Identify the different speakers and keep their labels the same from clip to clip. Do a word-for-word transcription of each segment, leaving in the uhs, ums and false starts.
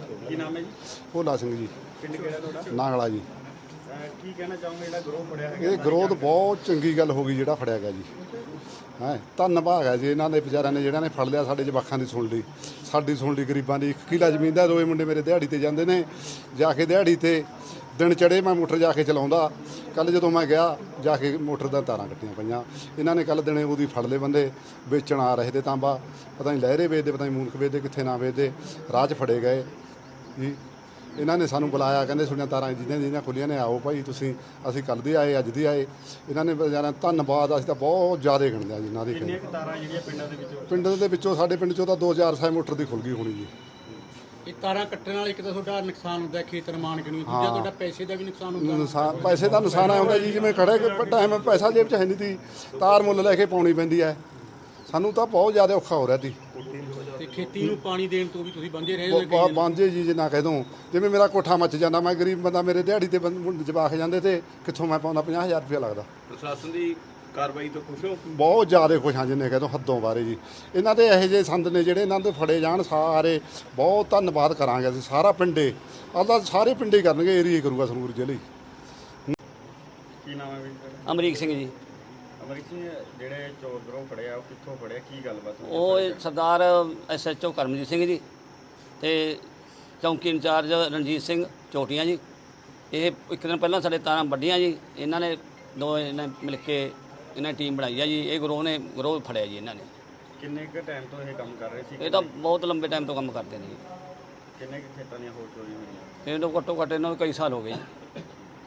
Speaker 1: ਕੀ ਨਾਮ ਹੈ ਜੀ?
Speaker 2: ਭੋਲਾ ਸਿੰਘ ਜੀ,
Speaker 1: ਪਿੰਡ ਕਿਹੜਾ ਤੁਹਾਡਾ?
Speaker 2: ਨਾਂਗਲਾ ਜੀ।
Speaker 1: ਅਹ ਕੀ ਕਹਿਣਾ ਚਾਹੋਗੇ ਜਿਹੜਾ ਗਰੋਹ ਫੜਿਆ ਹੈਗਾ?
Speaker 2: ਇਹ ਗਰੋਥ ਬਹੁਤ ਚੰਗੀ ਗੱਲ ਹੋ ਗਈ ਜਿਹੜਾ ਫੜਿਆ ਗਿਆ ਜੀ। ਹੈ ਧੰਨਵਾਦ ਹੈ ਜੀ ਇਹਨਾਂ ਦੇ ਵਿਚਾਰਿਆਂ ਨੇ ਜਿਹੜਿਆਂ ਨੇ ਫੜ ਲਿਆ, ਸਾਡੇ ਜਵਾਕਾਂ ਦੀ ਸੁਣ ਲਈ, ਸਾਡੀ ਸੁਣ ਲਈ, ਗਰੀਬਾਂ ਦੀ। ਇੱਕ ਕਿੱਲਾ ਜ਼ਮੀਨ ਦਾ ਦੋਏ ਮੁੰਡੇ ਮੇਰੇ ਦਿਹਾੜੀ ਤੇ ਜਾਂਦੇ ਨੇ, ਜਾ ਕੇ ਦਿਹਾੜੀ ਤੇ ਦਿਨ ਚੜੇ ਮੈਂ ਮੋਟਰ ਜਾ ਕੇ ਚਲਾਉਂਦਾ। ਕੱਲ ਜਦੋਂ ਮੈਂ ਗਿਆ ਜਾ ਕੇ ਮੋਟਰ ਦਾ ਤਾਰਾਂ ਕੱਟੀਆਂ ਪਈਆਂ। ਇਹਨਾਂ ਨੇ ਕੱਲ ਦਿਨੇ ਉਹਦੀ ਫੜ ਲਏ ਬੰਦੇ, ਵੇਚਣ ਆ ਰਹੇ ਤੇ ਤਾਂਬਾ, ਪਤਾ ਨਹੀਂ ਲਹਿਰੇ ਵੇਚਦੇ, ਪਤਾ ਨਹੀਂ ਮੂਨਕ ਵੇਚਦੇ, ਕਿੱਥੇ ਨਾ ਵੇਚਦੇ, ਰਾਹ 'ਚ ਫੜੇ ਗਏ ਜੀ। ਇਹਨਾਂ ਨੇ ਸਾਨੂੰ ਬੁਲਾਇਆ, ਕਹਿੰਦੇ ਤੁਹਾਡੀਆਂ ਤਾਰਾਂ ਜਿਹਦੀਆਂ ਜਿਹਦੀਆਂ ਖੁੱਲੀਆਂ ਨੇ ਆਓ ਭਾਈ ਤੁਸੀਂ। ਅਸੀਂ ਕੱਲ੍ਹ ਦੇ ਆਏ, ਅੱਜ ਦੇ ਆਏ। ਇਹਨਾਂ ਨੇ ਵਿਚਾਰਿਆਂ ਧੰਨਵਾਦ, ਅਸੀਂ ਤਾਂ ਬਹੁਤ ਜ਼ਿਆਦਾ ਗਿਣਦੇ ਹਾਂ ਜੀ ਇਹਨਾਂ ਦੀ।
Speaker 1: ਕਿੰਨੀਆਂ ਕੁ ਤਾਰਾਂ ਜਿਹੜੀਆਂ ਪਿੰਡਾਂ ਦੇ ਵਿੱਚੋਂ?
Speaker 2: ਪਿੰਡ ਦੇ ਵਿੱਚੋਂ ਸਾਡੇ ਪਿੰਡ 'ਚੋਂ ਤਾਂ ਦੋ ਹਜ਼ਾਰ ਸਾਈ ਮੋਟਰ ਦੀ ਖੁੱਲ ਗਈ ਹੋਣੀ ਜੀ।
Speaker 3: ਇਹ ਤਾਰਾਂ ਕੱਟਣ ਨਾਲ ਇੱਕ ਤਾਂ ਤੁਹਾਡਾ ਨੁਕਸਾਨ ਹੁੰਦਾ ਖੇਤ ਨਿਰਮਾਣ ਕਿਨੂੰ, ਦੂਜਾ ਤੁਹਾਡਾ ਪੈਸੇ ਦਾ ਵੀ ਨੁਕਸਾਨ ਹੁੰਦਾ।
Speaker 2: ਨੁਕਸਾਨ ਪੈਸੇ ਦਾ ਨੁਕਸਾਨ ਆ ਹੁੰਦਾ ਜੀ, ਜਿਵੇਂ ਖੜੇ ਟਾਈਮ ਪੈਸਾ ਜੇਬ 'ਚ ਹੈ ਨਹੀਂ ਤੀ, ਤਾਰ ਮੁੱਲ ਲੈ ਕੇ ਪਾਉਣੀ ਪੈਂਦੀ ਹੈ। ਸਾਨੂੰ ਤਾਂ ਬਹੁਤ ਜ਼ਿਆਦਾ ਔਖਾ ਹੋ ਰਿਹਾ ਸੀ।
Speaker 3: ਤੇ ਖੇਤੀ ਨੂੰ ਪਾਣੀ ਦੇਣ ਤੋਂ ਵੀ ਤੁਸੀਂ ਬੰਦੇ ਰਹੇ ਹੋ?
Speaker 2: ਬਾਂਝੇ ਜੀ ਜੇ ਨਾ ਕਹਿ ਦੂੰ, ਜਿਵੇਂ ਮੇਰਾ ਕੋਠਾ ਮੱਚ ਜਾਂਦਾ, ਮੈਂ ਗਰੀਬ ਬੰਦਾ, ਮੇਰੇ ਦਿਹਾੜੀ ਤੇ ਜਵਾਕ ਜਾਂਦੇ ਤੇ ਕਿੱਥੋਂ ਮੈਂ ਪਾਉਂਦਾ ਪੰਜਾਹ ਹਜ਼ਾਰ ਰੁਪਇਆ ਲੱਗਦਾ।
Speaker 1: ਪ੍ਰਸ਼ਾਸਨ ਦੀ ਕਾਰਵਾਈ ਤੋਂ ਖੁਸ਼ ਹੋ?
Speaker 2: ਬਹੁਤ ਜ਼ਿਆਦਾ ਖੁਸ਼ ਹਾਂ ਜਿੰਨੇ ਕਹਿ ਦੋ ਹੱਦੋਂ ਬਾਰੇ ਜੀ। ਇਹਨਾਂ ਦੇ ਇਹੋ ਜਿਹੇ ਸੰਦ ਨੇ ਜਿਹੜੇ ਇਹਨਾਂ ਦੇ ਫੜੇ ਜਾਣ, ਸਾਰੇ ਬਹੁਤ ਧੰਨਵਾਦ ਕਰਾਂਗੇ ਅਸੀਂ। ਸਾਰਾ ਪਿੰਡੇ ਅੱਲਾ ਸਾਰੇ ਪਿੰਡੇ ਕਰਨਗੇ, ਏਰੀਏ ਕਰੂਗਾ ਸੰਗਰੂਰ ਜ਼ਿਲ੍ਹੇ।
Speaker 1: ਕੀ ਨਾਮ ਹੈ ਵੀਰ?
Speaker 4: ਅਮਰੀਕ ਸਿੰਘ ਜੀ।
Speaker 1: ਅਮਰੀਕ ਸਿੰਘ, ਜਿਹੜੇ ਚੋਰ ਗਰੋਹ ਫੜਿਆ ਉਹ ਕਿੱਥੋਂ ਫੜਿਆ, ਕੀ ਗੱਲਬਾਤ ਹੋਈ?
Speaker 4: ਉਹ ਸਰਦਾਰ S H O Karamjit Singh ji ਤੇ ਚੌਂਕੀ ਇੰਚਾਰਜ ਰਣਜੀਤ ਸਿੰਘ ਚੋਟੀਆਂ ਜੀ। ਇਹ ਇੱਕ ਦਿਨ ਪਹਿਲਾਂ ਸਾਡੇ ਤਾਰਾਂ ਵੱਡੀਆਂ ਜੀ, ਇਹਨਾਂ ਨੇ ਦੋ ਇਹਨਾਂ ਮਿਲ ਕੇ ਇਹਨਾਂ ਨੇ ਟੀਮ ਬਣਾਈ ਆ ਜੀ। ਇਹ ਗਰੋਹ ਨੇ ਗਰੋਹ ਫੜਿਆ ਜੀ ਇਹਨਾਂ ਨੇ।
Speaker 1: ਕਿੰਨੇ ਕੁ ਟਾਈਮ ਤੋਂ ਇਹ ਕੰਮ ਕਰ ਰਹੇ ਸੀ?
Speaker 4: ਇਹ ਤਾਂ ਬਹੁਤ ਲੰਬੇ ਟਾਈਮ ਤੋਂ ਕੰਮ ਕਰਦੇ ਨੇ ਜੀ।
Speaker 1: ਕਿੰਨੇ ਕੁ ਖੇਤਾਂ ਦੀਆਂ ਹੋਰ ਚੋਰੀ ਹੋਈਆਂ?
Speaker 4: ਇਹ ਤਾਂ ਘੱਟੋ ਘੱਟ ਇਹਨਾਂ ਨੂੰ ਕਈ ਸਾਲ ਹੋ ਗਏ ਜੀ।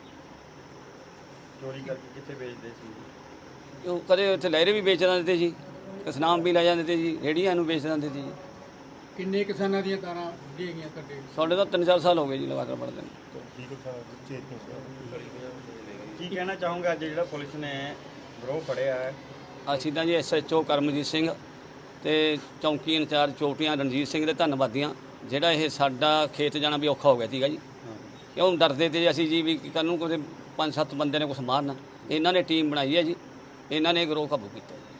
Speaker 1: ਚੋਰੀ ਕਰਕੇ ਕਿੱਥੇ ਵੇਚਦੇ ਸੀ?
Speaker 4: ਉਹ ਕਦੇ ਉੱਥੇ ਲਹਿਰੇ ਵੀ ਵੇਚ ਦਿੰਦੇ ਤੇ ਜੀ, ਕਸਨਾਮ ਵੀ ਲੈ ਜਾਂਦੇ ਤੇ ਜੀ, ਰੇੜੀਆਂ ਨੂੰ ਵੇਚ ਦਿੰਦੇ ਤੇ ਜੀ।
Speaker 3: ਕਿੰਨੇ ਕਿਸਾਨਾਂ ਦੀਆਂ ਤਾਰਾਂ ਡੇ ਗਈਆਂ ਤੁਹਾਡੇ?
Speaker 4: ਸਾਡੇ ਤਾਂ ਤਿੰਨ ਚਾਰ ਸਾਲ ਹੋ ਗਏ ਜੀ ਲਗਾਤਾਰ ਪੜਦੇ ਨੇ।
Speaker 1: ਕੀ ਕਹਿਣਾ ਚਾਹੂੰਗਾ ਅੱਜ ਜਿਹੜਾ ਪੁਲਿਸ ਨੇ ਗਰੋਹ ਫੜਿਆ ਹੈ?
Speaker 4: ਅਸੀਂ ਤਾਂ ਜੀ S H O Karamjit Singh ਤੇ ਚੌਂਕੀ ਇੰਚਾਰਜ ਚੋਟੀਆਂ ਰਣਜੀਤ ਸਿੰਘ ਦੇ ਧੰਨਵਾਦੀਆਂ। ਜਿਹੜਾ ਇਹ ਸਾਡਾ ਖੇਤ ਜਾਣਾ ਵੀ ਔਖਾ ਹੋ ਗਿਆ ਸੀਗਾ ਜੀ, ਕਿਉਂ ਡਰਦੇ ਤੇ ਅਸੀਂ ਜੀ ਵੀ ਕੱਲ੍ਹ ਨੂੰ ਕੋਈ ਪੰਜ ਸੱਤ ਬੰਦੇ ਨੇ ਕੁਛ ਮਾਰਨਾ। ਇਹਨਾਂ ਨੇ ਟੀਮ ਬਣਾਈ ਹੈ ਜੀ, ਇਹਨਾਂ ਨੇ ਗਰੋਹ ਕਾਬੂ ਕੀਤਾ ਜੀ।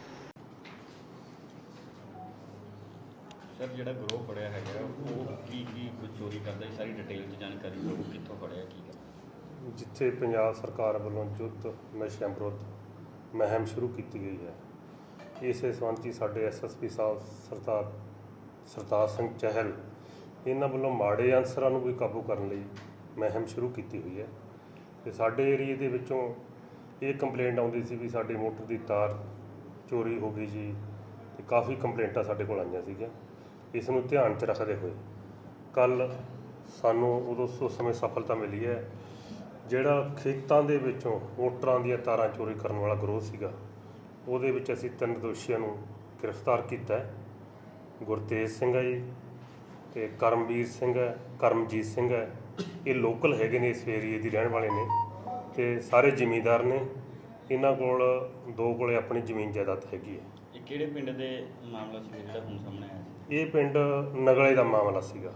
Speaker 1: ਸਰ, ਜਿਹੜਾ ਗਰੋਹ ਫੜਿਆ ਹੈਗਾ ਉਹ ਕੀ ਕੀ ਕੁਝ ਚੋਰੀ ਕਰਦਾ ਹੈ, ਸਾਰੀ ਡਿਟੇਲ 'ਚ ਜਾਣਕਾਰੀ ਦਿਓ। ਕਿੱਥੋਂ ਫੜਿਆ, ਕੀ ਗੱਲ?
Speaker 5: ਜਿੱਥੇ ਪੰਜਾਬ ਸਰਕਾਰ ਵੱਲੋਂ ਯੁੱਧ ਨਸ਼ਿਆਂ ਵਿਰੁੱਧ ਮੁਹਿੰਮ ਸ਼ੁਰੂ ਕੀਤੀ ਗਈ ਹੈ, ਇਸੇ ਸੰਬੰਧੀ ਸਾਡੇ ਐਸ ਐਸ ਪੀ ਸਾਹਿਬ ਸਰਦਾਰ ਸਰਤਾਜ ਸਿੰਘ ਚਹਿਲ ਇਹਨਾਂ ਵੱਲੋਂ ਮਾੜੇ ਅਨਸਰਾਂ ਨੂੰ ਵੀ ਕਾਬੂ ਕਰਨ ਲਈ ਮੁਹਿੰਮ ਸ਼ੁਰੂ ਕੀਤੀ ਹੋਈ ਹੈ। ਤੇ ਸਾਡੇ ਏਰੀਏ ਦੇ ਵਿੱਚੋਂ ਇਹ ਕੰਪਲੇਂਟ ਆਉਂਦੀ ਸੀ ਵੀ ਸਾਡੀ ਮੋਟਰ ਦੀ ਤਾਰ ਚੋਰੀ ਹੋ ਗਈ ਜੀ, ਤੇ ਕਾਫੀ ਕੰਪਲੇਂਟਾਂ ਸਾਡੇ ਕੋਲ ਆਈਆਂ ਸੀਗੀਆਂ। ਇਸ ਨੂੰ ਧਿਆਨ 'ਚ ਰੱਖਦੇ ਹੋਏ ਕੱਲ੍ਹ ਸਾਨੂੰ ਉਦੋਂ ਉਸ ਸਮੇਂ ਸਫਲਤਾ ਮਿਲੀ ਹੈ। ਜਿਹੜਾ ਖੇਤਾਂ ਦੇ ਵਿੱਚੋਂ ਮੋਟਰਾਂ ਦੀਆਂ ਤਾਰਾਂ ਚੋਰੀ ਕਰਨ ਵਾਲਾ ਗਰੋਹ ਸੀਗਾ, ਉਹਦੇ ਵਿੱਚ ਅਸੀਂ ਤਿੰਨ ਦੋਸ਼ੀਆਂ ਨੂੰ ਗ੍ਰਿਫਤਾਰ ਕੀਤਾ ਹੈ। ਗੁਰਤੇਜ ਸਿੰਘ ਹੈ ਜੀ, ਅਤੇ ਕਰਮਵੀਰ ਸਿੰਘ ਹੈ, ਕਰਮਜੀਤ ਸਿੰਘ ਹੈ। ਇਹ ਲੋਕਲ ਹੈਗੇ ਨੇ, ਇਸ ਏਰੀਏ ਦੇ ਰਹਿਣ ਵਾਲੇ ਨੇ, ਅਤੇ ਸਾਰੇ ਜ਼ਿਮੀਂਦਾਰ ਨੇ। ਇਹਨਾਂ ਕੋਲ ਦੋ ਕੋਲੇ ਆਪਣੀ ਜ਼ਮੀਨ ਜਾਇਦਾਦ ਹੈਗੀ ਹੈ।
Speaker 1: ਇਹ ਕਿਹੜੇ ਪਿੰਡ ਦੇ ਮਾਮਲਾ ਸੀ ਜਿਹੜਾ ਹੁਣ ਸਾਹਮਣੇ ਆਇਆ ਸੀ?
Speaker 5: ਇਹ ਪਿੰਡ ਨਗਲੇ ਦਾ ਮਾਮਲਾ ਸੀਗਾ।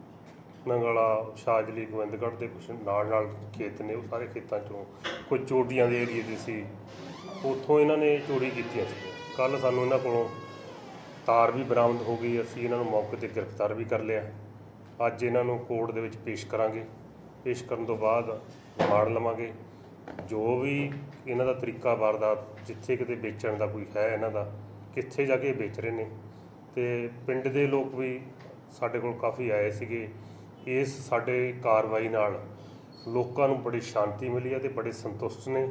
Speaker 5: ਨਗਲਾ, ਸ਼ਾਜਲੀ, ਗੋਬਿੰਦਗੜ੍ਹ ਦੇ ਕੁਛ ਨਾਲ ਨਾਲ ਖੇਤ ਨੇ, ਉਹ ਸਾਰੇ ਖੇਤਾਂ 'ਚੋਂ ਕੋਈ ਚੋਟੀਆਂ ਦੇ ਏਰੀਏ ਦੇ ਸੀ, ਉੱਥੋਂ ਇਹਨਾਂ ਨੇ ਚੋਰੀ ਕੀਤੀਆਂ ਸੀ। ਕੱਲ੍ਹ ਸਾਨੂੰ ਇਹਨਾਂ ਕੋਲੋਂ ਤਾਰ ਵੀ ਬਰਾਮਦ ਹੋ ਗਈ। ਅਸੀਂ ਇਹਨਾਂ ਨੂੰ ਮੌਕੇ 'ਤੇ ਗ੍ਰਿਫਤਾਰ ਵੀ ਕਰ ਲਿਆ। ਅੱਜ ਇਹਨਾਂ ਨੂੰ ਕੋਰਟ ਦੇ ਵਿੱਚ ਪੇਸ਼ ਕਰਾਂਗੇ। ਪੇਸ਼ ਕਰਨ ਤੋਂ ਬਾਅਦ ਰਿਮਾਂਡ ਲਵਾਂਗੇ। ਜੋ ਵੀ ਇਹਨਾਂ ਦਾ ਤਰੀਕਾ ਵਾਰਦਾਤ, ਜਿੱਥੇ ਕਿਤੇ ਵੇਚਣ ਦਾ ਕੋਈ ਹੈ ਇਹਨਾਂ ਦਾ, ਕਿੱਥੇ ਜਾ ਕੇ ਵੇਚ ਰਹੇ ਨੇ। ਅਤੇ ਪਿੰਡ ਦੇ ਲੋਕ ਵੀ ਸਾਡੇ ਕੋਲ ਕਾਫੀ ਆਏ ਸੀਗੇ। ਇਸ ਸਾਡੇ ਕਾਰਵਾਈ ਨਾਲ ਲੋਕਾਂ ਨੂੰ ਬੜੀ ਸ਼ਾਂਤੀ ਮਿਲੀ ਹੈ ਅਤੇ ਬੜੇ ਸੰਤੁਸ਼ਟ ਨੇ,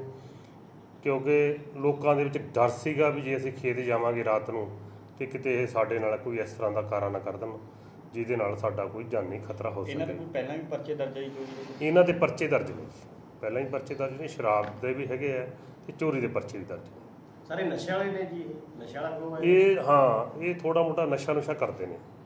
Speaker 5: ਕਿਉਂਕਿ ਲੋਕਾਂ ਦੇ ਵਿੱਚ ਡਰ ਸੀਗਾ ਵੀ ਜੇ ਅਸੀਂ ਖੇਤ ਜਾਵਾਂਗੇ ਰਾਤ ਨੂੰ ਅਤੇ ਕਿਤੇ ਇਹ ਸਾਡੇ ਨਾਲ ਕੋਈ ਇਸ ਤਰ੍ਹਾਂ ਦਾ ਕਾਰਾ ਨਾ ਕਰ ਦੇਣ ਜਿਹਦੇ ਨਾਲ ਸਾਡਾ ਕੋਈ ਜਾਨੀ ਖਤਰਾ ਹੋ ਸਕੇ।
Speaker 1: ਇਹਨਾਂ ਦੇ ਕੋਈ ਪਹਿਲਾਂ ਵੀ ਪਰਚੇ ਦਰਜ ਹੈ ਚੋਰੀ?
Speaker 5: ਇਹਨਾਂ ਦੇ ਪਰਚੇ ਦਰਜ ਨੇ, ਪਹਿਲਾਂ ਹੀ ਪਰਚੇ ਦਰਜ ਨੇ, ਸ਼ਰਾਬ ਦੇ ਵੀ ਹੈਗੇ ਆ ਅਤੇ ਚੋਰੀ ਦੇ ਪਰਚੇ ਵੀ ਦਰਜ ਨੇ।
Speaker 1: ਸਾਰੇ ਨਸ਼ੇ ਵਾਲੇ ਨੇ ਜੀ? ਨਸ਼ੇ ਵਾਲਾ ਗਰੋਹ ਹੈ
Speaker 5: ਇਹ? ਹਾਂ, ਇਹ ਥੋੜ੍ਹਾ ਮੋਟਾ ਨਸ਼ਾ ਨੁਸ਼ਾ ਕਰਦੇ ਨੇ।